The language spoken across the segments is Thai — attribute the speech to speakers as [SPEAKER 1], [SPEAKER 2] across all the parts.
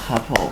[SPEAKER 1] ครับผม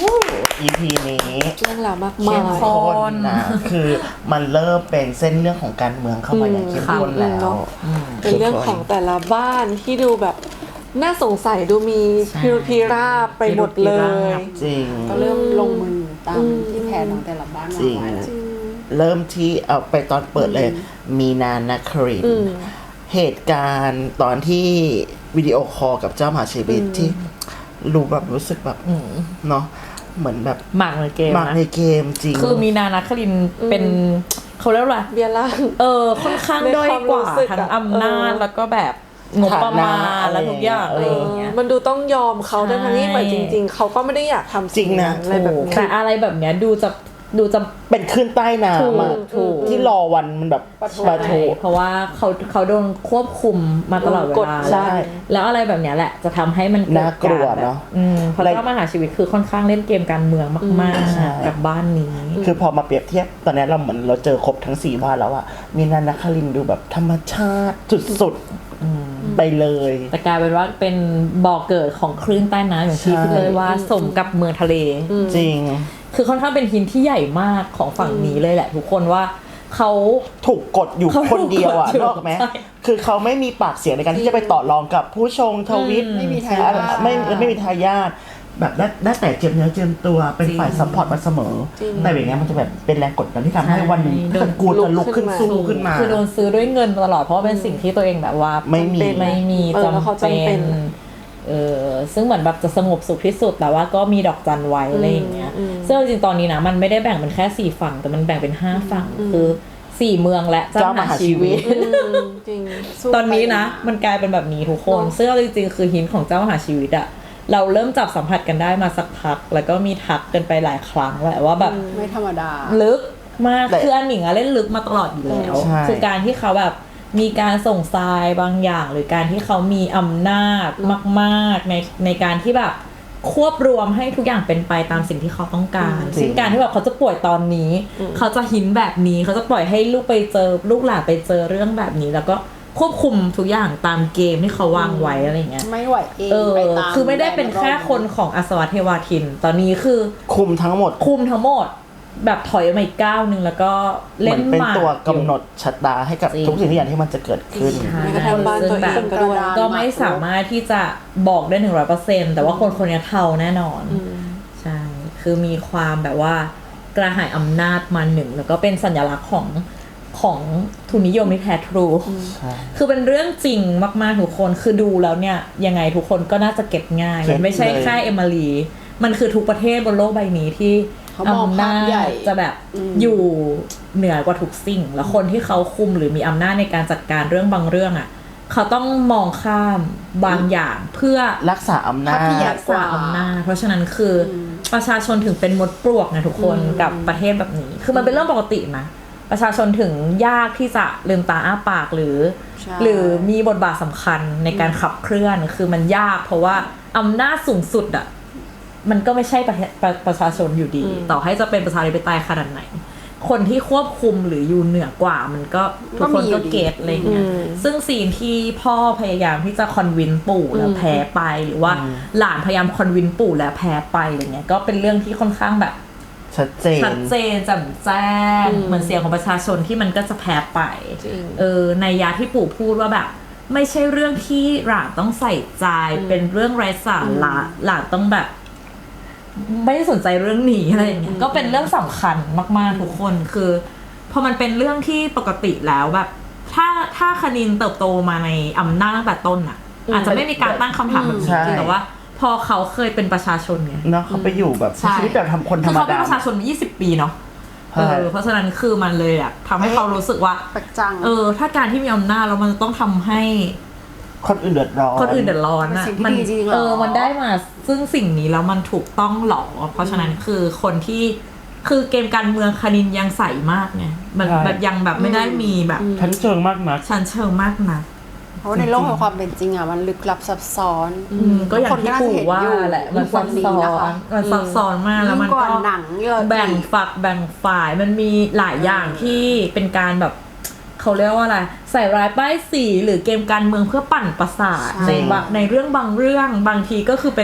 [SPEAKER 1] EP นี้
[SPEAKER 2] เรื่องราวมาก
[SPEAKER 1] เข้
[SPEAKER 2] มาม ย
[SPEAKER 1] ข้นนะคือมันเริ่มเป็นเส้นเรื่องของการเมืองเข้ามาอย่างเข้มข้นแล้ว
[SPEAKER 2] เป็นเรื่องของแต่ละบ้านที่ดูแบบน่าสงสัยดูมีพิรุธพิราบไปหมดเลย
[SPEAKER 1] จริง
[SPEAKER 3] ก็เริ่มลงมือตามที่แผนของแต่ละบ้านวางไว้
[SPEAKER 1] เริ่มที่เอาไปตอนเปิดเลย มีนานาครินเหตุการณ์ตอนที่วิดีโอคอลกับเจ้ามหาชีวิตที่รู้แบบรู้สึกแบบเนาะเหมือนแบบ
[SPEAKER 4] หมากในเกม
[SPEAKER 1] หมาก
[SPEAKER 4] นะ
[SPEAKER 1] ในเกมจริง
[SPEAKER 4] คือมีนานาคลินเป็นเขาเรียกว่าอะไร
[SPEAKER 2] เบียร์ล่าง
[SPEAKER 4] ค่อนข้างด้อยกว่าทั้งอำนาจแล้วก็แบบงบประมาณและทุกอย่างอะไรอย่างเงี้ย
[SPEAKER 2] มันดูต้องยอมเขาทั้งที่แบบจริงๆเขาก็ไม่ได้อยากทำ
[SPEAKER 1] จริงนะ
[SPEAKER 2] อะไรแบบนี้
[SPEAKER 4] แต่อะไรแบบเนี้ยดูจะ
[SPEAKER 1] เป็นขึ้นใต้น้ำอะ
[SPEAKER 4] ถูก
[SPEAKER 1] ที่รอวันมันแบบปะโถ
[SPEAKER 4] เพราะว่าเขาโดนควบคุมมาตลอดเวลา
[SPEAKER 1] ใช่
[SPEAKER 4] แล้วอะไรแบบเนี้ยแหละจะทำให้มันเด
[SPEAKER 1] น่ากลัวเนอะ
[SPEAKER 4] เพราะเจ้ามหาชีวิตคือค่อนข้างเล่นเกมการเมืองมาก
[SPEAKER 1] ใช่
[SPEAKER 4] ๆกับบ้านนี้
[SPEAKER 1] คือพอมาเปรียบเทียบตอนนี้เราเหมือนเราเจอครบทั้ง4บ้านแล้วอะมีนานาคารินดูแบบธรรมชาติสุดๆไปเลย
[SPEAKER 4] แต่กลายเป็นว่าเป็นบ่อเกิดของคลื่นใต้น้ำอย่างที่
[SPEAKER 1] ใช่
[SPEAKER 4] พี่เลยว่าสมกับเมืองทะเล
[SPEAKER 1] จริง
[SPEAKER 4] คือค่อนข้างเป็นหินที่ใหญ่มากของฝั่งนี้เลยแหละทุกคนว่าเขา
[SPEAKER 1] ถูกกดอยู่
[SPEAKER 4] เขา
[SPEAKER 1] คนเดียวอะ
[SPEAKER 4] ถูกกดอยู่
[SPEAKER 1] นกออกไหม
[SPEAKER 4] ใช่
[SPEAKER 1] คือเขาไม่มีปากเสียงในการที่จะไปต่อรองกับผู้ชงทวิต
[SPEAKER 3] ไม่มีทายาท
[SPEAKER 1] ไม่มีทายาทแบบได้แต่เจียมเนื้อเจียมตัวเป็นฝ่ายซัพพอร์ตมาเสมอ แต่อย่างเงี้ยมันจะแบบเป็นแรงกดดันที่ทำให้วันหนึ่งตระกูลจะลุกขึ้นสู้ขึ้นมา
[SPEAKER 4] คือโดนซื้อด้วยเงินตลอดเพราะว่าเป็นสิ่งที่ตัวเองแบบว่า
[SPEAKER 1] ไม่มี
[SPEAKER 4] ไม่มี
[SPEAKER 2] แล้วเขา
[SPEAKER 4] จำ
[SPEAKER 2] จำเป็
[SPEAKER 4] เป็น นซึ่งเหมือนแบบจะสงบสุขที่สุดแต่ว่าก็มีดอกจันไว้อะไรอย่างเงี้ยซึ่งจริงๆตอนนี้นะมันไม่ได้แบ่งเป็นแค่4ฝั่งแต่มันแบ่งเป็น5ฝั่งคือ4เมืองและเจ้ามหาชีวิต
[SPEAKER 2] จริง
[SPEAKER 4] ตอนนี้นะมันกลายเป็นแบบนี้ทุกคนซึ่งเอาจริงๆคือหินของเจ้ามหาชีวิตอะเราเริ่มจับสัมผัสกันได้มาสักพักแล้วก็มีทักกันไปหลายครั้งแหละว่าแบบ
[SPEAKER 3] ไม่ธรรมดา
[SPEAKER 4] ลึกมาก
[SPEAKER 1] แต่
[SPEAKER 4] คืออันหนิงอะเล่นลึกมาตลอดอยู่แล้ว
[SPEAKER 1] ใช่
[SPEAKER 4] คือการที่เขาแบบมีการส่งทรายบางอย่าง หรือการที่เขามีอำนาจมากๆในการที่แบบควบรวมให้ทุกอย่างเป็นไปตามสิ่งที่เขาต้องการเช่นการที่แบบเขาจะป่วยตอนนี้เขาจะหินแบบนี้เขาจะปล่อยให้ลูกหลานไปเจอเรื่องแบบนี้ แล้วก็ควบคุมทุกอย่างตามเกมที่เขาวางไว้อะไรเงี้ย
[SPEAKER 3] ไม่ไหวเองไปตาม
[SPEAKER 4] คือไม่ได้เป็นแค่คนของอสวเทวาทิน ตอนนี้คือ
[SPEAKER 1] คุมทั้งหมด
[SPEAKER 4] คุมทั้งหมดแบบถอยมาอีกก้าวหนึ่งแล้วก็
[SPEAKER 1] เห
[SPEAKER 4] เล่
[SPEAKER 1] มือน นเป็น
[SPEAKER 4] หมาก
[SPEAKER 1] ตัวกำหนดชะตาให้กับ
[SPEAKER 4] จริง
[SPEAKER 1] ทุกสิ่งทุกอย่างที่มันจะเกิดขึ้น
[SPEAKER 4] ใช่
[SPEAKER 2] แม้กระทั่งบ้านตัวเอง
[SPEAKER 4] ซึ่ง
[SPEAKER 2] ก็ด้วย
[SPEAKER 4] แบบก็ไม่สามารถที่จะบอกได้100%แต่ว่าคนนี้เท่าแน่นอนใช่คือมีความแบบว่ากระหายอำนาจมาหนึ่งแล้วก็เป็นสัญลักษณ์ของทุนนิยมที่แท้ทรูคือเป็นเรื่องจริงมากๆทุกคนคือดูแล้วเนี่ยยังไงทุกคนก็น่าจะเก็บง่ายมันไม่ใช่แค่เอมิลีมันคือทุกประเทศบนโลกใบนี้ที่
[SPEAKER 3] เขามอง
[SPEAKER 4] อำ
[SPEAKER 3] ภา
[SPEAKER 4] นา
[SPEAKER 3] พใหญ่
[SPEAKER 4] จจะแบบอยู่เหนือกว่าทุกสิ่ง แล้วคนที่เขาคุมหรือมีอำนาจในการจัดการเรื่องบางเรื่องอ่ะเขาต้องมองข้ามบางอย่างเพื่อ
[SPEAKER 1] รักษาอำนา
[SPEAKER 3] ภาพที่ใหญ่
[SPEAKER 1] จ
[SPEAKER 4] รักษาอำนาจเพราะฉะนั้นคือประชาชนถึงเป็นมดปลวกนะทุกคนกับประเทศแบบนี้ คือมันเป็นเรื่องปกตินะประชาชนถึงยากที่จะลืมตาอ้าปากหรือ
[SPEAKER 3] ใช่
[SPEAKER 4] หรือมีบทบาทสำคัญในการขับเคลื่อนคือมันยากเพราะว่าอำนาจสูงสุดอ่ะมันก็ไม่ใช่ประชาชนอยู่ดี ต่อให้จะเป็นประชาธิปไตยขนาดไหน คนที่ควบคุมหรืออยู่เหนือกว่ามันก็ทุกคนก็เก็ตอะไรเงี้ยซึ่งซีนที่พ่อพยายามที่จะคอนวินปู่แล้วแพ้ไปหรือว่าหลานพยายามคอนวินปู่แล้วแพ้ไปอะไรเงี้ยก็เป็นเรื่องที่ค่อนข้างแบบ
[SPEAKER 1] ชัดเจน
[SPEAKER 4] แจ่มแจ้งเหมือนเสียงของประชาชนที่มันก็จะแพ้ไปในยาที่ปู่พูดว่าแบบไม่ใช่เรื่องที่หลานต้องใส่ใจเป็นเรื่องไร้สาระหลานต้องแบบไม่ได้สนใจเรื่องนี้อะไรอย่างเงี้ยก็เป็นเรื่องสำคัญมากๆทุกคนคือพอมันเป็นเรื่องที่ปกติแล้วแบบถ้าคณินเติบโตมาในอำนาจตั้งแต่ต้นอ่ะอาจจะไม่มีการตั้งคำถามแบบนี้
[SPEAKER 1] ใช่
[SPEAKER 4] แต่ว่าพอเขาเคยเป็นประชาชนไง
[SPEAKER 1] เนาะเขาไปอยู่แบบ
[SPEAKER 4] ใช่
[SPEAKER 1] ชีวิตแบบทำคนธรรม
[SPEAKER 4] คือเขาเป็
[SPEAKER 1] ดา
[SPEAKER 4] นประชาชนมา20 ปีเนาะ
[SPEAKER 1] ใช่
[SPEAKER 4] เพราะฉะนั้นคือมันเลยอะทำให้เขารู้สึกว่า
[SPEAKER 3] ปักจัง
[SPEAKER 4] ถ้าการที่มีอำนาจแล้วมันจะต้องทำให้
[SPEAKER 1] คนอื่นเดือดร้อน
[SPEAKER 4] คนอื่นเดือดร้อนอะ
[SPEAKER 3] เป็นสิ่งที่ดีจริงๆหรอ
[SPEAKER 4] มันได้มาซึ่งสิ่งนี้แล้วมันถูกต้องหรอเพราะฉะนั้นคือคนที่คือเกมการเมืองคณินยังใสมากไงมันแบบยังแบบไม่ได้มีแบบ
[SPEAKER 1] ชั้นเชิงมากนัก
[SPEAKER 4] ชั้นเชิงมากนะ
[SPEAKER 3] เพราะว่าในโลกแห่งความเป็นจริงอ่ะมันลึกลับซับซ้อน
[SPEAKER 4] ก็อย่างที่ปู่ว่าแหละมันซับซ้อนมันซับซ้อนมากแล้วมัน
[SPEAKER 3] ยิ่งก
[SPEAKER 4] ก็
[SPEAKER 3] ว่าหนังเยอะ
[SPEAKER 4] แบ่งฝักแบ่งฝ่ายมันมีหลายอย่างที่เป็นการแบบเขาเรียกว่าอะไรใส่ร้ายป้ายสีหรือเกมการเมืองเพื่อปั่นประสาทในเรื่องบางเรื่องบางทีก็คือเป็น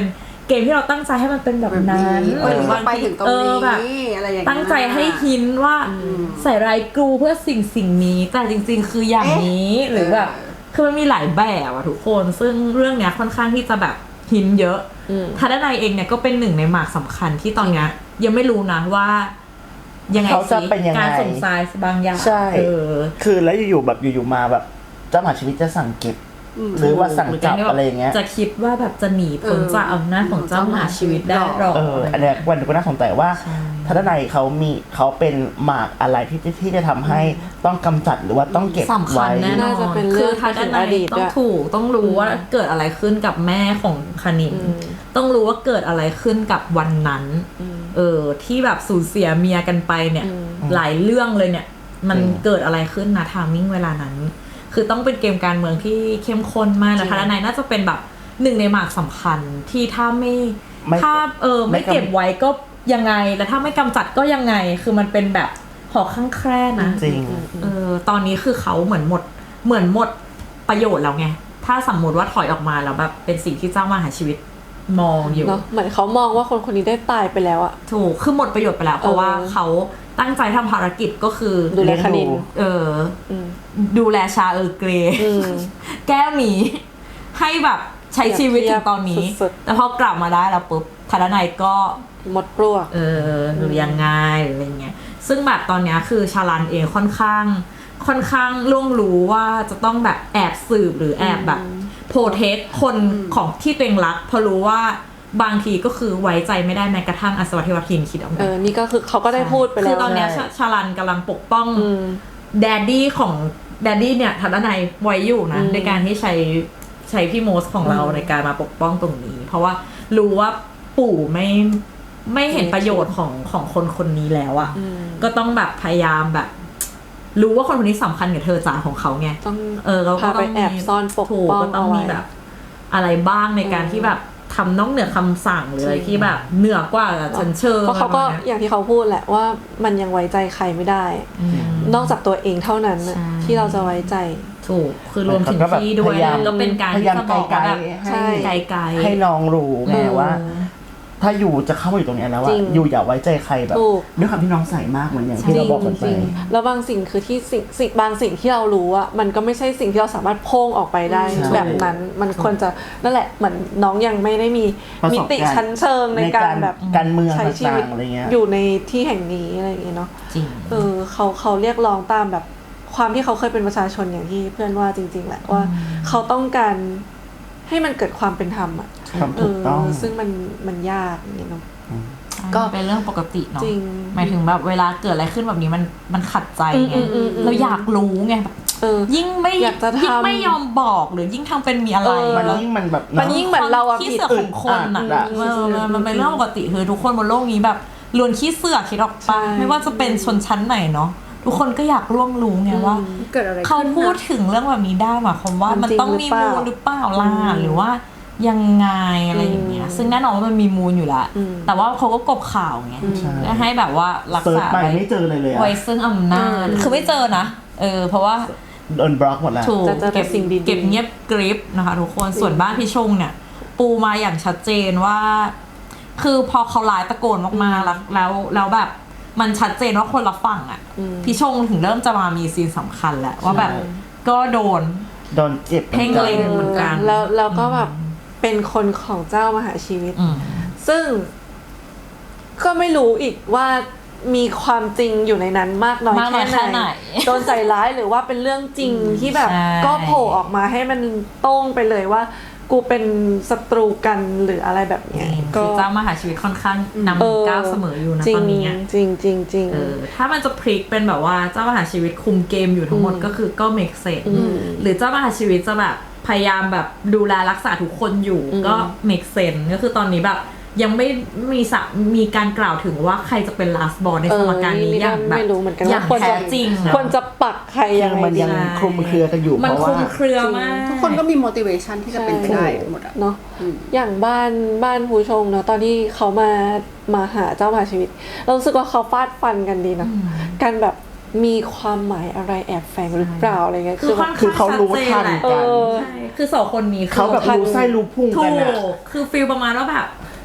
[SPEAKER 4] เกมที่เราตั้งใจให้มันเป็นแบบนั้น
[SPEAKER 3] เออ
[SPEAKER 4] หรือบาง
[SPEAKER 3] ไป
[SPEAKER 4] ที
[SPEAKER 3] ถึงตรงนี้
[SPEAKER 4] แบบ
[SPEAKER 3] อะไรอย่างเงี้ย
[SPEAKER 4] ตั้งใจให้หินว่าใส่ลายกรูเพื่อสิ่งนี้แต่จริงๆ คืออย่างนี้หรือแบบคือมันมีหลายแบบอะทุกคนซึ่งเรื่องเนี้ยค่อนข้างที่จะแบบหินเยอะทัดนายเองเนี่ยก็เป็นหนึ่งในหมากสำคัญที่ตอนเนี้ยยังไม่รู้นะว่ายังไง
[SPEAKER 1] เขาจะเป็นยังไง
[SPEAKER 4] การส่งทรายบางอย่าง
[SPEAKER 1] ใช่
[SPEAKER 4] คือ
[SPEAKER 1] แล้วอยู่ๆแบบอยู่ๆมาแบบเจ้ามหาชีวิตจะสั่งเก็บ หรือว่าสั่งจับอะไรอย่างเงี้ย
[SPEAKER 4] จะคิดว่าแบบจะหนีพ้นจากอำนาจของเจ้ามหาชีวิตได้หรอ
[SPEAKER 1] อันเนี้ยวันนี้ก็น่าสนใจว่าทัศนัยเขาเป็นหมากอะไรที่จะทำให้ต้องกำจัดหรือว่าต้องเก็บ
[SPEAKER 4] สำคั
[SPEAKER 1] ไว้
[SPEAKER 4] ญแน่นอ
[SPEAKER 2] น่าน จะเป็นเรื่อง
[SPEAKER 4] คือทัศ
[SPEAKER 2] ถึง
[SPEAKER 4] นั
[SPEAKER 2] อย ดีต
[SPEAKER 4] ต้อ
[SPEAKER 2] ด้
[SPEAKER 4] ง
[SPEAKER 2] วย
[SPEAKER 4] ถูกต้องรู้ว่าเกิดอะไรขึ้นกับแม่ของคณินต้องรู้ว่าเกิดอะไรขึ้นกับวันนั้นที่แบบสูญเสียเมียกันไปเนี่ยหลายเรื่องเลยเนี่ยมันเกิดอะไรขึ้นนะทามมิ่งเวลานั้นคือต้องเป็นเกมการเมืองที่เข้มข้นมากแล้วทัศนัยน่าจะเป็นแบบหนึ่งในหมากสำคัญที่ถ้าไม่เก็บไว้ก็ยังไงแล้วถ้าไม่กำจัดก็ยังไงคือมันเป็นแบบหอกข้างแคร่นะ
[SPEAKER 1] จริง
[SPEAKER 4] ตอนนี้คือเขาเหมือนหมดประโยชน์แล้วไงถ้าสมมติว่าถอยออกมาแล้วแบบเป็นสิ่งที่เจ้ามหาชีวิตมองอยู่
[SPEAKER 2] เนาะเหมือนเขามองว่าคนนี้ได้ตายไปแล้วอะ
[SPEAKER 4] ถูกคือหมดประโยชน์ไปแล้วเพราะว่าเขาตั้งใจทำภารกิจก็คือ
[SPEAKER 2] ดูแลคณิน
[SPEAKER 4] ดูแลชาเกรแก้วหนีให้แบบใช้ชีวิตถึงตอนนี้
[SPEAKER 2] สุด
[SPEAKER 4] แต่พอกลับมาได้แล้วปุ๊บทัศนัยก็
[SPEAKER 2] หมดปลวก
[SPEAKER 4] หรือยังไงหรืออะไรเงี้ยซึ่งแบบตอนเนี้ยคือชาลันเองค่อนข้างล่วงรู้ว่าจะต้องแบบแอบสืบหรือแอบแบบโปรเทคคนของที่ตัวเองรักเพราะรู้ว่าบางทีก็คือไว้ใจไม่ได้แม้กระทั่งอัศวเทวทินคิดเอาไว้
[SPEAKER 2] นี่ก็คือเขาก็ได้พูดไปแล้ว
[SPEAKER 4] คือตอนเนี้ย
[SPEAKER 1] ใช่
[SPEAKER 4] ชาลันกำลังปกป้องแดดดี้ของแดดดี้เนี่ยทัศนัยไว้อยู่นะในการที่ใช้พี่โมสของเราในการมาปกป้องตรงนี้ เพราะว่ารู้ว่าปู่ไม่เห็นประโยชน์ของคนนี้แล้วอ่ะก็ต้องแบบพยายามแบบ รู้ว่าคนนี้สำคัญกับเธอจ๋าของเขาไง
[SPEAKER 2] ต้อง
[SPEAKER 4] เราก็
[SPEAKER 2] พา
[SPEAKER 4] ต้
[SPEAKER 2] ไป
[SPEAKER 4] อง
[SPEAKER 2] แอบซ่อนปก
[SPEAKER 4] ถูก
[SPEAKER 2] ป้อง
[SPEAKER 4] ก็ต้องมี
[SPEAKER 2] เอาไว้
[SPEAKER 4] แบบอะไรบ้างในการที่แบบทำนอกเหนือคำสั่งหรืออะไรที่แบบเหนือกว่าชั้นเชิง
[SPEAKER 2] เพราะเขาก็อย่างที่เขาพูดแหละว่ามันยังไว้ใจใครไม่ได้ นอกจากตัวเองเท่านั้นน่ะ
[SPEAKER 4] ใช่
[SPEAKER 2] ที่เราจะไว้ใจ
[SPEAKER 4] ถูกคือรวมถึงพี่ด้วย
[SPEAKER 1] พยายาม
[SPEAKER 4] ก็เป็นการ
[SPEAKER 1] พยา
[SPEAKER 4] ที่
[SPEAKER 1] ยาม
[SPEAKER 4] จะบอกว่าแบบ
[SPEAKER 1] ให้
[SPEAKER 2] ใช่
[SPEAKER 4] ไกลๆ
[SPEAKER 1] ให้น้องรู้ไงว่า ถ้าอยู่จะเข้ามาอยู่ตรงเนี้ยแล้ว
[SPEAKER 2] จริ
[SPEAKER 1] ว่าง อยู่อย่าไว้ใจใครแบบ
[SPEAKER 2] ถูก
[SPEAKER 1] ด้วยความที่น้องใส่มากเหมือนอย่างที่เราบอกกันไป
[SPEAKER 2] จริงๆแล้วบางสิ่งคือที่สิ่งบางสิ่งที่เรารู้อะมันก็ไม่ใช่สิ่งที่เราสามารถโพ่งออกไปได้
[SPEAKER 1] ใช่
[SPEAKER 2] แบบนั้นมันควรจะนั่นแหละเหมือนน้องยังไม่ได้มี
[SPEAKER 1] ประ
[SPEAKER 2] มิ
[SPEAKER 1] สบ
[SPEAKER 2] ติ
[SPEAKER 1] การณ์
[SPEAKER 2] ชั้นเชิงในการแบบ
[SPEAKER 1] การเมือง
[SPEAKER 2] ใช้ชีวิต
[SPEAKER 1] ต่างๆอะไรเงี้ย
[SPEAKER 2] อยู่ในที่แห่งนี้อะไรอย่างเงี้ยเนาะ
[SPEAKER 4] จริง
[SPEAKER 2] เขาเรียกร้องตามแบบความที่เขาเคยเป็นประชาชนอย่างที่เพื่อนว่าจริงๆแหละว่าเขาต้องการให้มันเกิดความเป็นธรรมอะ
[SPEAKER 1] ความถูกต้อง
[SPEAKER 2] ซึ่งมันยากอย่างเงี้ยเนาะ
[SPEAKER 4] ก็เป็นเรื่องปกติเนาะ
[SPEAKER 2] จริง
[SPEAKER 4] หมายถึงแบบเวลาเกิดอะไรขึ้นแบบนี้มันขัดใจไง เราอยากรู้ไงแบบ ยิ่งไม่
[SPEAKER 2] อยากจะทำ
[SPEAKER 4] ยิ่งไม่ยอมบอกหรือยิ่งทำเป็นมีอะไร
[SPEAKER 1] มันยิ่งมันแบบ
[SPEAKER 2] มันยิ่งเหมือนเราอะ
[SPEAKER 4] ขี้
[SPEAKER 2] ผิด
[SPEAKER 4] เสือกของคนอ่ะ
[SPEAKER 1] อึดอัดอะ
[SPEAKER 4] มันเป็นเรื่องปกติคือทุกคนบนโลกนี้แบบล้วนขี้เสือกคิดออกปะ
[SPEAKER 2] ใช่
[SPEAKER 4] ไม่ว่าจะเป็นชนชั้นไหนเนาะทุกคนก็อยากร่วงรู้ไงว่า
[SPEAKER 3] เกิดอะไรขึ้น
[SPEAKER 4] เขาพูดถึงเรื่องแบบนี้ได้หมายความว่ามันต้องมีมูลหรือเปล่าล่ะหรือว่ายังไงอะไรอย่างเงี้ยซึ่งแน่นอนว่ามันมีมูลอยู่แล้วแต่ว่าเขาก็กบข่าวไง
[SPEAKER 1] ใช่
[SPEAKER 4] ให้แบบว่ารัก
[SPEAKER 1] เซิร์ช
[SPEAKER 4] ษา
[SPEAKER 1] ไปไม่เจอเลยอะ
[SPEAKER 4] ไว้ซึ่งอำนาจคือไม่เจอนะเพราะว่า
[SPEAKER 1] โดนบล็อกหมดแล้ว
[SPEAKER 4] ถูก
[SPEAKER 2] จะเจอแต่
[SPEAKER 4] เก็บ
[SPEAKER 2] สิ่งดีๆ
[SPEAKER 4] เก็บเงียบกริบนะคะทุกคนส่วนบ้านพี่ชงเนี่ย ปูมาอย่างชัดเจนว่า คือพอเขาไลน์ตะโกนมากๆแล้วแบบมันชัดเจนว่าคนละฝั่งอ่ะพี่ชงถึงเริ่มจะมามีซีนสำคัญแล้วว่าแบบก็โดน
[SPEAKER 1] เจ็บ
[SPEAKER 4] เพ่งเล็ง เหมือนกัน
[SPEAKER 2] แล้วก็แบบเป็นคนของเจ้ามหาชีวิต
[SPEAKER 4] อืม
[SPEAKER 2] ซึ่งก็ไม่รู้อีกว่ามีความจริงอยู่ในนั้นมากน้อย
[SPEAKER 4] มากน้อย
[SPEAKER 2] แค่
[SPEAKER 4] แค่
[SPEAKER 2] ไห
[SPEAKER 4] ไห
[SPEAKER 2] น
[SPEAKER 4] น
[SPEAKER 2] โดนใส่ร้ายหรือว่าเป็นเรื่องจริงที่แบบ
[SPEAKER 4] ใช่
[SPEAKER 2] ก็โผล่ออกมาให้มันโต้งไปเลยว่า กูเป็นศัตรูกันหรืออะไรแบบเนี้ย
[SPEAKER 4] คือเจ้ามหาชีวิตค่อนข้างนำก้าวเสมออยู่นะ
[SPEAKER 2] จริ
[SPEAKER 4] ต
[SPEAKER 2] ง
[SPEAKER 4] อนนี้อะ
[SPEAKER 2] จริงจริงจริง
[SPEAKER 4] ถ้ามันจะพลิกเป็นแบบว่าเจ้ามหาชีวิตคุมเกมอยู่ทั้งหมดก็คือก็ make sense หรือเจ้ามหาชีวิตจะแบบพยายามแบบดูแลรักษาทุกคนอยู่ก็ make sense ก็คือตอนนี้แบบยังไม่มีการกล่าวถึงว่าใครจะเป็น last boss ในสมการนี้อย่างแบบ
[SPEAKER 2] ไม่รู้เหมือนกัน
[SPEAKER 4] อย่า
[SPEAKER 2] ว่าง ควร
[SPEAKER 4] แท้
[SPEAKER 2] จะ
[SPEAKER 4] จริง
[SPEAKER 2] ควรจะปักใครยังไง
[SPEAKER 1] มัน
[SPEAKER 2] ดี
[SPEAKER 1] ยังคลุมเครือกันอยู่
[SPEAKER 4] มัน
[SPEAKER 1] เพราะ
[SPEAKER 4] คลุ
[SPEAKER 1] ว่าม
[SPEAKER 4] เครือมาก
[SPEAKER 3] ทุกคนก็มี motivation ที่จะเป็นไปได้หมดอะ
[SPEAKER 2] เนาะอย่างบ้านผู้ชงเนาะตอนที่เขามาหาเจ้ามหาชีวิต เรารู้สึกว่าเขาฟาดฟันกันดีเนาะการแบบมีความหมายอะไรแอบแฝงหรือเปล่าอะไรเงี้ย
[SPEAKER 4] คือค่อน
[SPEAKER 1] คือ
[SPEAKER 4] ข้าง
[SPEAKER 1] เขารู้ทัน
[SPEAKER 4] ชัดเจนแหละ
[SPEAKER 1] กัน
[SPEAKER 4] ใช่คือสองคนนี้
[SPEAKER 1] เขาแบบรู้ไส้รู้พุง
[SPEAKER 4] ถู
[SPEAKER 1] กันอะ
[SPEAKER 4] กคือฟีลประมาณว่าแบบ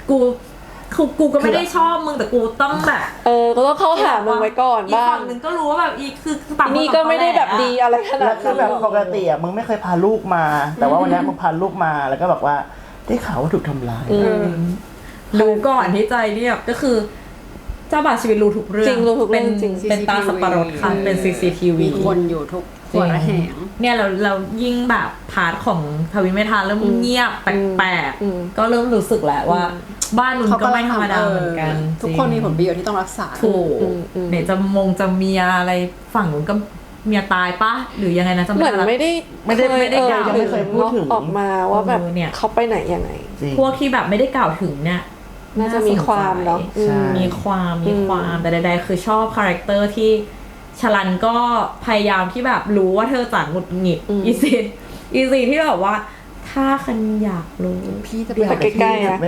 [SPEAKER 4] กูก็ไม่ได้ชอบมึงแต่กูต้องแบบ
[SPEAKER 2] ก็ต้องเข้าหามึงไว้ก่อน
[SPEAKER 4] อีก
[SPEAKER 2] บ้าง
[SPEAKER 4] ฝั่งหนึ่งก็รู้ว่าแบบคือต่างคน
[SPEAKER 2] นี่ก็ไม่ได้แบบดีอะไรขนา
[SPEAKER 1] แล้
[SPEAKER 2] ด
[SPEAKER 1] วคือแบบปกติอ่ะมึงไม่เคยพาลูกมา แต่ว่าวันนี้มึงพาลูกมาแล้วก็บอกว่าได้ข่าวว่าถูกทำร้าย
[SPEAKER 4] รู้ก่อนที่ใจเนี่ยก็คือเจ้าบ่าวชีวิตรู้ทุกเรื่อง
[SPEAKER 2] จริงรู้ทุกเรื่องจริง
[SPEAKER 4] เป็นตาสับปะรดค่ะเป็น CCTV
[SPEAKER 3] มีคนอยู่ทุกหัวระแหง
[SPEAKER 4] เนี่ยเรายิ่งแบบพาร์ทของทวินเมธาเริ่มเงียบแปลกๆก็เริ่มรู้สึกแหละว่าบ้านมึงก็ไม่ธรรมดาเหมือนกัน
[SPEAKER 3] ทุกคนมีผลประโยชน์ที่ต้องรักษา
[SPEAKER 4] ถูกเนี่ยจะเมียอะไรฝั่งนู้นก็เมียตายปะหรือยังไงนะจำ
[SPEAKER 2] เหมือน
[SPEAKER 4] ละ
[SPEAKER 2] ไม่ได้
[SPEAKER 1] ยังไม่เคยพูดถึง
[SPEAKER 2] ออกมาว่าแบบเขาไปไหนยังไง
[SPEAKER 4] พวกที่แบบไม่ได้กล่าวถึงเนี่ย
[SPEAKER 2] น่าจะมีความเนาะ
[SPEAKER 1] ใช่
[SPEAKER 4] มีความแต่ใดๆคือชอบคาแรคเตอร์ที่ชลันก็พยายามที่แบบรู้ว่าเธอจะหงุดหงิดอีซีที่แบบว่าถ้าคันอยากรู้
[SPEAKER 3] พี่จะไป
[SPEAKER 2] ไปใกล้ๆนะ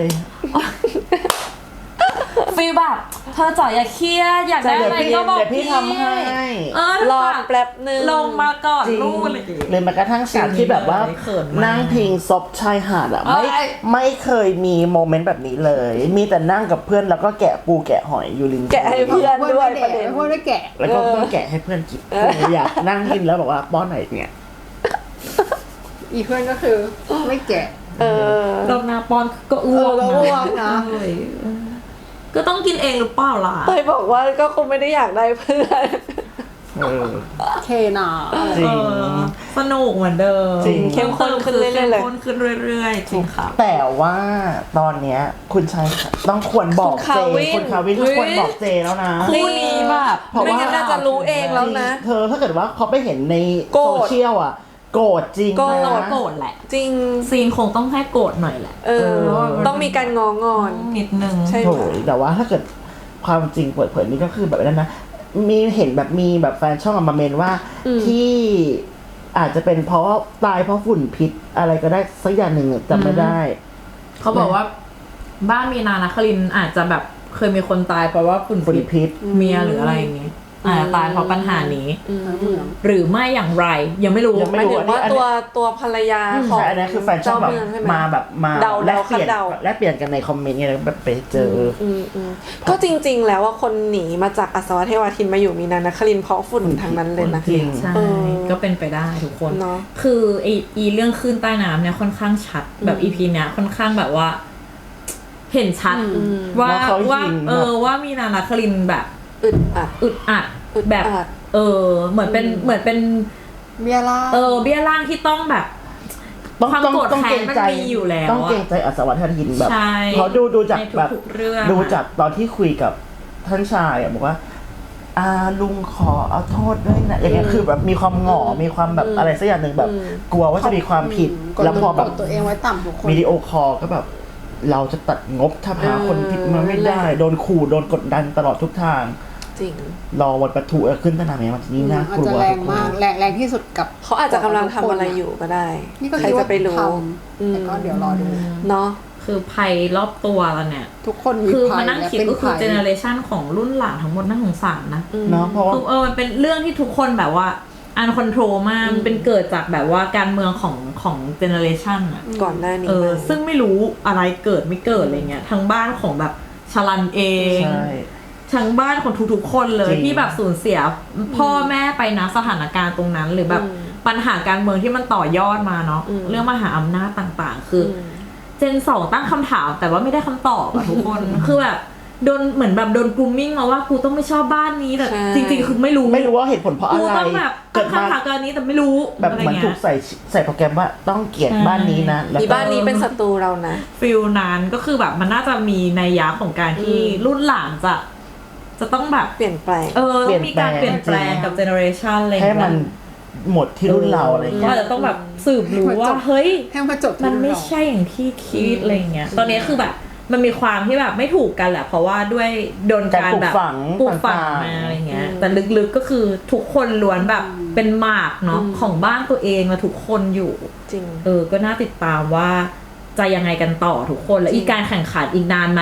[SPEAKER 4] ฟีลแบบเธอจ่อยอย่าเครียดอยากได้อะไรก็บอก
[SPEAKER 1] เดี๋ยวพี่ทำให้
[SPEAKER 2] รอแป๊บนึง
[SPEAKER 4] ลงมาก่อน
[SPEAKER 1] จริง
[SPEAKER 4] ลูกเลย
[SPEAKER 1] เลยแม้กระทั่งฉากที่แบบว่า
[SPEAKER 4] เขินมาก
[SPEAKER 1] นั่งพิงซบชายหาดอ่ะ
[SPEAKER 4] เอ้ย
[SPEAKER 1] ไม่เคยมีโมเมนต์แบบนี้เลย มีแต่นั่งกับเพื่อนแล้วก็แกะปูแกะหอยอยู่ริม
[SPEAKER 2] แกะให้เพื่อนด้วยประเด็น
[SPEAKER 3] พวกได้แกะ
[SPEAKER 1] แล้วก็ต้องแกะให้เพื่อนกินอยากนั่งกินแล้วบอกว่าป้อนหน่อยเนี่ย
[SPEAKER 3] อีเพื่อนก็คือไม่แกะ
[SPEAKER 4] รอบหน้าป้อนก็อ้วก
[SPEAKER 3] ก็อ้วกนะ
[SPEAKER 4] เออก็ต้องกินเองหรือเปล่าล่ะ
[SPEAKER 2] เตยบอกว่าก็คงไม่ได้อยากได้เพื่อน
[SPEAKER 3] เคนา
[SPEAKER 1] จริง
[SPEAKER 4] สนุกเหมือนเดิม
[SPEAKER 1] จริง
[SPEAKER 2] เข้มข้นขึ้นเรื่อยๆเลย
[SPEAKER 4] เข้มข้นขึ้นเรื่อยๆจริงครับ
[SPEAKER 1] แต่ว่าตอนเนี้ยคุณชายต้องควรบอกเจคุณคาวินควรบอกเจแล้วนะ
[SPEAKER 4] คู่นี้แบบ
[SPEAKER 1] เพราะว่า
[SPEAKER 2] ไม่งั้นน่าจะรู้เองแล้วนะ
[SPEAKER 1] เธอถ้าเกิดว่าเขาไปเห็นใน
[SPEAKER 2] โกรธ
[SPEAKER 1] โซเชียลอ่ะ โกรธจริง
[SPEAKER 2] โกรธ
[SPEAKER 1] นะ
[SPEAKER 4] โกรธแหละ
[SPEAKER 2] จริง
[SPEAKER 4] ซีนคงต้องให้โกรธหน่อยแหละ
[SPEAKER 2] ต้องมีการงองอน
[SPEAKER 4] นิดนึง
[SPEAKER 2] ใช่
[SPEAKER 1] โถยแต่ว่าถ้าเกิดความจริงเปิดเผยนี่ก็คือแบบนั้นนะมีเห็นแบบมีแบบแฟนช่องมาเมนว่าที่อาจจะเป็นเพราะตายเพราะฝุ่นพิษอะไรก็ได้สักอย่างหนึ่งจำไม่ได้
[SPEAKER 4] เขาบอกว่าบ้านมีนานาคลินอาจจะแบบเคยมีคนตายเพราะว่าฝุ่น
[SPEAKER 1] ฝุ่นพิษ
[SPEAKER 4] เมียหรืออะไรอย่างงี้อาจจะตายเพราะปัญหานี้
[SPEAKER 3] เหมือง
[SPEAKER 4] หรือไม่อย่างไรยังไม่รู้
[SPEAKER 1] ยัง
[SPEAKER 2] ห
[SPEAKER 1] ไม่
[SPEAKER 2] มาย
[SPEAKER 1] รู้
[SPEAKER 2] ถึงว่าตัวภรรยาของ
[SPEAKER 1] ใช่อันนี้คือแฟนช่องแบบ
[SPEAKER 2] เจ้าเมืองใช่ไหม
[SPEAKER 1] มาแบบมา
[SPEAKER 2] เดา
[SPEAKER 1] แลกเปลี่ยน
[SPEAKER 2] เดา
[SPEAKER 1] แลกเปลี่ยนกันในคอมเมนต์ไงแล้วแบบไปเจออ
[SPEAKER 2] ก็จริงๆ แล้วว่าคนหนีมาจากอัศวเทวาทินมาอยู่มีนานครินทร์เพราะฝุ่นทางนั้นเลยนะ
[SPEAKER 1] จริง
[SPEAKER 4] ใช่ ก็เป็นไปได้ทุกคน
[SPEAKER 2] เนอะ
[SPEAKER 4] คืออีเรื่องคลื่นใต้น้ำเนี่ยค่อนข้างชัดแบบอีพีเนี้ยค่อนข้างแบบว่า เห็นชัดว่า
[SPEAKER 1] ว่าเขา
[SPEAKER 4] ว่า
[SPEAKER 1] ยิง
[SPEAKER 4] ว่ามีนานาคลินแบบ
[SPEAKER 2] อึดอัด
[SPEAKER 4] อึดอัด
[SPEAKER 2] อึด
[SPEAKER 4] แบบ
[SPEAKER 2] อัด
[SPEAKER 4] เหมือนเป็น
[SPEAKER 3] เบียร่า
[SPEAKER 4] เบี้ยล่างที่ต้องแบบ ความโกรธแค้นมันมีอยู่แล้ว
[SPEAKER 1] ต้องเกรงใจอัศวรทินแบบ
[SPEAKER 4] ใช่
[SPEAKER 1] เขาดูจาก
[SPEAKER 4] ใน
[SPEAKER 1] แบบ
[SPEAKER 4] ทุกๆเรื่อง
[SPEAKER 1] ดูจากตอนที่คุยกับท่านชายอะบอกว่าลุงขอเอาโทษด้วยนะอย่างเงี้ยคือแบบมีความหงอมีความแบบอะไรสักอย่างหนึ่งแบบ กลัวว่าจะมีความผิด แล้วพอแบบ
[SPEAKER 3] กดตัวเองไว้ต่ำทุกคน
[SPEAKER 1] วิดีโอคอลก็แบบ เราจะตัดงบถ้าพาคนผิดมาไม่ได้ โดนขู่โดนกดดันตลอดทุกทาง
[SPEAKER 2] จริง
[SPEAKER 1] รอวันประทุขึ้นสนามเนี่ยมันยิ่งน่าก
[SPEAKER 3] อาจ
[SPEAKER 1] ลั
[SPEAKER 3] จะ
[SPEAKER 1] ว
[SPEAKER 3] แรงมากแรงที่สุดกับ
[SPEAKER 2] เขาอาจจะกำลังทำอะไรอยู่ก็ได้
[SPEAKER 3] นี่ก็
[SPEAKER 2] ใคร
[SPEAKER 3] คิด
[SPEAKER 2] จะ
[SPEAKER 3] ว่า
[SPEAKER 2] ไปรู้
[SPEAKER 3] ทำแต่ก็เดี๋ยวรอดู
[SPEAKER 2] เนาะ
[SPEAKER 4] คือภัยรอบตัวเราเนี่ย
[SPEAKER 3] ทุกคนมี
[SPEAKER 4] คือ
[SPEAKER 3] ภั
[SPEAKER 4] มาย นั่ง
[SPEAKER 3] และ
[SPEAKER 4] คิด
[SPEAKER 3] เป็น
[SPEAKER 4] ก็คือ
[SPEAKER 3] ภัย
[SPEAKER 4] เจเนอเรชันของรุ่นหลานทั้งหมดน่าสงสารนะ
[SPEAKER 1] เนาะเพราะว่า
[SPEAKER 4] คือมันเป็นเรื่องที่ทุกคนแบบว่าอันคอนโทรลมากมันเป็นเกิดจากแบบว่าการเมืองของเจเนอเรชันอะ
[SPEAKER 2] ก่อนหน้านี้มา
[SPEAKER 4] ซึ่งไม่รู้อะไรเกิดไม่เกิดอะไรเงี้ยทั้งบ้านของแบบชลันเอง
[SPEAKER 1] ใช่
[SPEAKER 4] ทั้งบ้านของทุกๆคนเลย
[SPEAKER 1] จริง
[SPEAKER 4] ที่แบบสูญเสียพ่อแม่ไปนะสถานการณ์ตรงนั้น หรือแบบปัญหาการเมืองที่มันต่อยอดมาเนาะเรื่องมหาอำนาจต่างๆ คือเจนสองตั้งคำถามแต่ว่าไม่ได้คำตอบอะทุกคน คือแบบโดนเหมือนแบบโดนกรูมมิ่งมาว่ากูต้องไม่ชอบบ้านนี้แต่
[SPEAKER 2] ใช่
[SPEAKER 4] จริงๆคือไม่รู้
[SPEAKER 1] ว่าเหตุผลเพราะอะ
[SPEAKER 4] กู
[SPEAKER 1] ไร
[SPEAKER 4] ต้องแบบ
[SPEAKER 1] เกิ
[SPEAKER 4] ตั้
[SPEAKER 1] ด
[SPEAKER 4] ง
[SPEAKER 1] มา
[SPEAKER 4] คำถามกับอันนี้แต่ไม่รู้
[SPEAKER 1] แบบ
[SPEAKER 4] อะไร
[SPEAKER 1] เหมือน
[SPEAKER 4] เงี้
[SPEAKER 1] ถู
[SPEAKER 4] ย
[SPEAKER 1] กใส่โปรแกรมว่าต้องเกลียดบ้านนี้นะแล้ว
[SPEAKER 2] มี
[SPEAKER 1] ก็
[SPEAKER 2] บ้านนี้เป็นศัตรูเรานะ
[SPEAKER 4] ฟิลนั้นก็คือแบบมันน่าจะมีนัยยะของการที่รุ่นหลานจะต้องแบบ
[SPEAKER 2] เปลี่ยนแปลง
[SPEAKER 4] ต้องมีการเปลี่ยนแปลงกับเจเนอเรชันอะไรอย่าง
[SPEAKER 1] ให้
[SPEAKER 4] เงี้ย
[SPEAKER 1] มันหมดที่รุ่นเราอะไรเงี้
[SPEAKER 4] ว่าย จะต้องแบบสืบรู้ว่าเฮ้ย
[SPEAKER 3] ให้มาจบที่
[SPEAKER 4] มันไม่
[SPEAKER 3] เรา
[SPEAKER 4] ใช่อย่างที่คิดอะไรเงี้ยตอนนี้คือแบบมันมีความที่แบบไม่ถูกกันแหละเพราะว่าด้วยโดนการแบบปลูกฝังมาอะไรเงี้ยแต่ลึกๆก็คือทุกคนล้วนแบบเป็นหมากเนาะของบ้านตัวเองมาทุกคนอยู่
[SPEAKER 2] จริง
[SPEAKER 4] ก็น่าติดตามว่าจะยังไงกันต่อทุกคนแล้วอีกการแข่งขันอีกนานไหม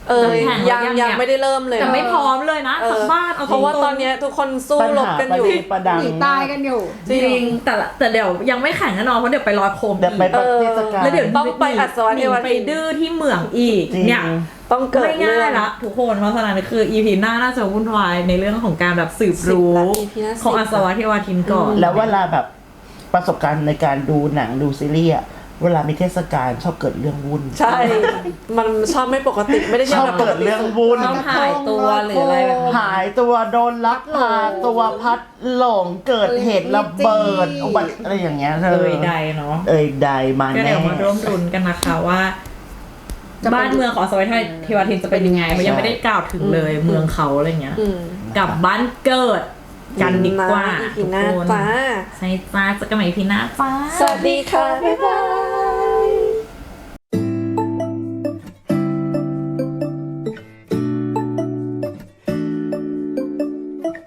[SPEAKER 4] แข่ง
[SPEAKER 2] ยังไม่ได้เริ่มเลย
[SPEAKER 4] แต่ไม่พร้อมเลยนะสักบ้านเอา
[SPEAKER 2] เพราะว่าตอนเนี้ยทุกคนสู้
[SPEAKER 1] ปัญ
[SPEAKER 2] รบ
[SPEAKER 1] หา
[SPEAKER 2] กัน
[SPEAKER 1] ประ
[SPEAKER 2] อยู่
[SPEAKER 1] เด็นประดัง
[SPEAKER 3] หนีตายกันอยู่
[SPEAKER 4] จริงแต่เดี๋ยวยังไม่แข่งแน่นอนเพราะเดี๋ยวไปลอยโคม
[SPEAKER 1] เดี๋ยวไป
[SPEAKER 4] อีก
[SPEAKER 1] เทศกาล
[SPEAKER 4] แล้วเดี๋ยว
[SPEAKER 2] ต้องไปอัศวะ
[SPEAKER 4] ห
[SPEAKER 2] เท
[SPEAKER 4] นี
[SPEAKER 2] ว
[SPEAKER 4] ไป
[SPEAKER 2] ทิน
[SPEAKER 4] ดื้อที่เหมืองอีก
[SPEAKER 1] จริง
[SPEAKER 4] เนี่ย
[SPEAKER 2] ต้องเกิด
[SPEAKER 4] ไม่
[SPEAKER 2] เรื่
[SPEAKER 4] ง่า
[SPEAKER 2] อย ง
[SPEAKER 4] ละทุกคนเพราะฉะนั้นคือ EP หน้าน่าจะวุ่นวายในเรื่องของการแบบสืบรู้
[SPEAKER 2] 10ละ EP หน้า
[SPEAKER 4] ของ
[SPEAKER 2] 10
[SPEAKER 4] อาสวะเทวทินก่อน
[SPEAKER 1] แล้วเวลาแบบประสบการณ์ในการดูหนังดูซีรีส์อะเวลามีเทศกาลชอบเกิดเรื่องวุ่น
[SPEAKER 2] ใช่ มันชอบไม่ปกติไม่ได้
[SPEAKER 1] ชอบ
[SPEAKER 2] แบบ
[SPEAKER 1] เกิดเรื่องวุ่น
[SPEAKER 4] ต้องหายตัวหรืออะไรแบบนี้
[SPEAKER 1] หายตัวโดนลักพาตัวพัดหลงเกิดเหตุระเบิดอุบัติอะไรอย่างเงี้ยเธอ
[SPEAKER 4] ใดเนาะ
[SPEAKER 1] ใดมา
[SPEAKER 4] ก็
[SPEAKER 1] แน่
[SPEAKER 4] เดี๋ยวมาร่วมรุ้นกันนะคะว่า บ้านเมืองของอาสวะเทวทินจะเป็นยังไงมันยังไม่ได้กล่าวถึงเลยเมืองเขาอะไรเงี้ย กลับบ้านเกิดกันดีกว่า
[SPEAKER 2] อีพี
[SPEAKER 4] ทุก
[SPEAKER 2] หน้า
[SPEAKER 4] คน
[SPEAKER 2] จ้า
[SPEAKER 4] ใช่จ้าจะกันใหม่อีพีหน้าจ้า
[SPEAKER 2] สวัสดีค่ะ บ๊ายบาย